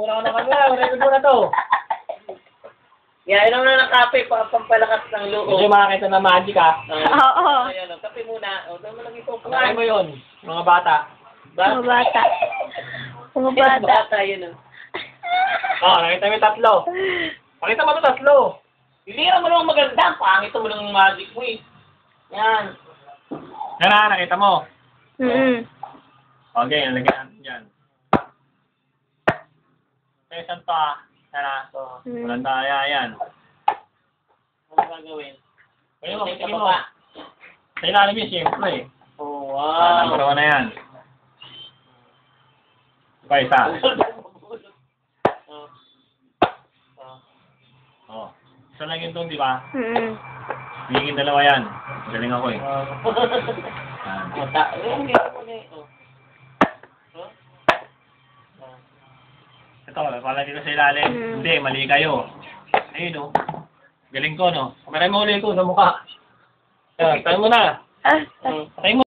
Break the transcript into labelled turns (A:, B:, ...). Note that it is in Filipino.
A: Wala na kami. Record mo na to.
B: Yeah, inom na ng kape, pampalakas ng loob.
A: Gusto yung makakita na magic ha.
C: Oo.
B: Ayan, kape muna. O, doon mo lang ito.
A: Pagkain mo yun, mga bata.
C: Mga bata. Mga bata.
B: Bata, yun.
A: Nakita mo yung tatlo. Pakita mo ito tatlo.
B: Hindi mo naman maganda. Pangit mo ng magic mo eh. Yan.
A: Yan na, nakita mo. Okay, nalagyan yan. Okay, saan pa? Tara. Walang taya yan.
B: Ano gagawin?
A: Ayun,
B: Tingin
A: tingin
B: ka
A: mo.
B: pa.
A: Sa ilalim yun, siyempre.
B: Oh, wow.
A: Number 1 na yan. Pa isa. Oh. Isa lang yun itong, di ba? Hingin dalawa yan. Galing ako eh. Ito, palagi ko sa ilalim. Hindi, mali kayo. Ayun o. Galing ko, no? Kamera mo ulit ko sa mukha. Tayo mo na. Tayo mo.